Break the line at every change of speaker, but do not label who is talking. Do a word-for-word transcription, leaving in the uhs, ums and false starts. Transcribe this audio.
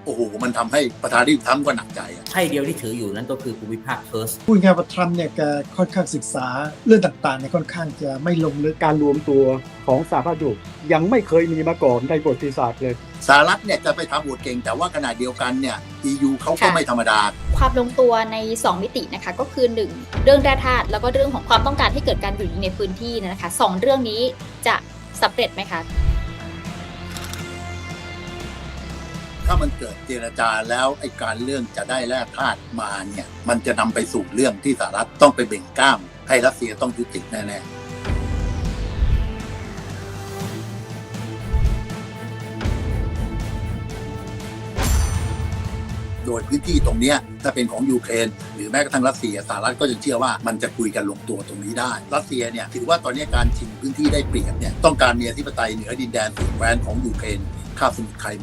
โอ้โหมันทำให้ประธานาธิบดีทรัมป์ก็หนักใจอะ
ไพ่เดียวที่ถืออยู่นั้นก็คือภูมิภาคเฟิร์ส
พูดง่ายว่าทรัมป์เนี่ยแกค่อนข้างศึกษาเรื่องต่างๆเนี่ยค่อนข้างจะไม่ลงลึก
การรวมตัวของสหภาพยุโรปยังไม่เคยมีมาก่อนในประวัติศาสตร์เลย
สหรัฐเนี่ยจะไปทำโหวตเก่งแต่ว่าขณะเดียวกันเนี่ย อี ยู เขาก็ไม่ธรรมดา
ความลงตัวในสองมิตินะคะก็คือหนึ่งเรื่องแร่ธาตุแล้วก็เรื่องของความต้องการให้เกิดการหยุดยิงในพื้นที่นะคะสองเรื่องนี้จะสำเร็จไหมคะ
ถ้ามันเกิดเจรจาแล้วไอ้การเรื่องจะได้แร่ธาตุมาเนี่ยมันจะนำไปสู่เรื่องที่สหรัฐต้องไปเบ่งกล้ามให้รัสเซียต้องยุติแน่ๆโดยพื้นที่ตรงนี้ถ้าเป็นของยูเครนหรือแม้กระทั่งรัสเซียสหรัฐก็ยังเชื่อว่ามันจะคุยกันลงตัวตรงนี้ได้รัสเซียเนี่ยถือว่าตอนนี้การชิงพื้นที่ได้เปรียบเนี่ยต้องการมีอธิปไตยเหนือดินแดนสุดแคว้นของยูเครนคาบสมุทรไครเมีย